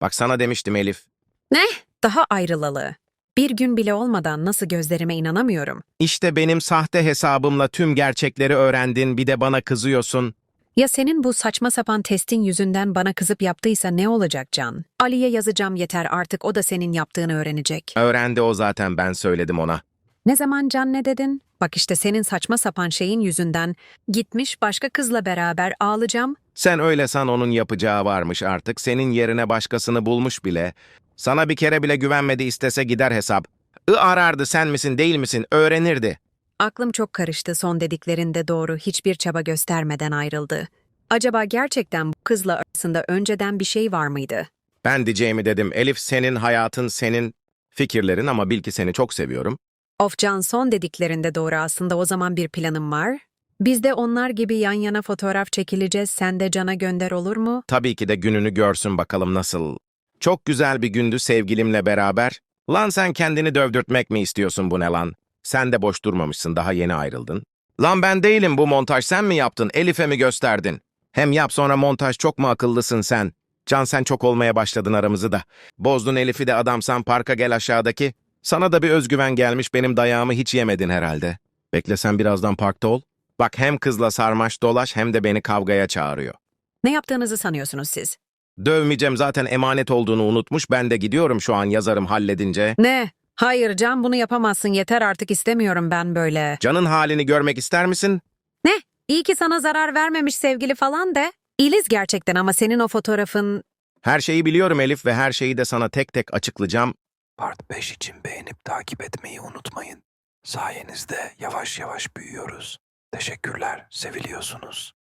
Bak sana demiştim Elif. Ne? Daha ayrılalı. Bir gün bile olmadan nasıl gözlerime inanamıyorum. İşte benim sahte hesabımla tüm gerçekleri öğrendin, bir de bana kızıyorsun. Ya senin bu saçma sapan testin yüzünden bana kızıp yaptıysa ne olacak Can? Ali'ye yazacağım yeter artık o da senin yaptığını öğrenecek. Öğrendi o zaten, ben söyledim ona. Ne zaman Can ne dedin? Bak işte senin saçma sapan şeyin yüzünden gitmiş başka kızla beraber ağlayacağım. Sen öyle san, onun yapacağı varmış artık. Senin yerine başkasını bulmuş bile. Sana bir kere bile güvenmedi, istese gider hesap. Arardı, sen misin değil misin öğrenirdi. Aklım çok karıştı son dediklerinde doğru hiçbir çaba göstermeden ayrıldı. Acaba gerçekten bu kızla arasında önceden bir şey var mıydı? Ben diyeceğimi dedim. Elif, senin hayatın, senin fikirlerin, ama bil ki seni çok seviyorum. Of Can son dediklerinde doğru aslında o zaman bir planım var. Biz de onlar gibi yan yana fotoğraf çekileceğiz sen de Can'a gönder olur mu? Tabii ki de gününü görsün bakalım nasıl. Çok güzel bir gündü sevgilimle beraber. Lan sen kendini dövdürtmek mi istiyorsun, bu ne lan? Sen de boş durmamışsın, daha yeni ayrıldın. Lan ben değilim, bu montaj sen mi yaptın, Elif'e mi gösterdin? Hem yap sonra montaj, çok mu akıllısın sen? Can, sen çok olmaya başladın aramızı da. Bozdun Elif'i de, adamsan parka gel aşağıdaki. Sana da bir özgüven gelmiş, benim dayağımı hiç yemedin herhalde. Bekle sen birazdan parkta ol. Bak, hem kızla sarmaş dolaş hem de beni kavgaya çağırıyor. Ne yaptığınızı sanıyorsunuz siz? Dövmeyeceğim zaten, emanet olduğunu unutmuş. Ben de gidiyorum şu an, yazarım halledince. Ne? Hayır Can bunu yapamazsın yeter artık istemiyorum ben böyle. Can'ın halini görmek ister misin? Ne? İyi ki sana zarar vermemiş sevgili falan de. İliz gerçekten ama senin o fotoğrafın... Her şeyi biliyorum Elif ve her şeyi de sana tek tek açıklayacağım. Part 5 için beğenip takip etmeyi unutmayın. Sayenizde yavaş yavaş büyüyoruz. Teşekkürler, seviliyorsunuz.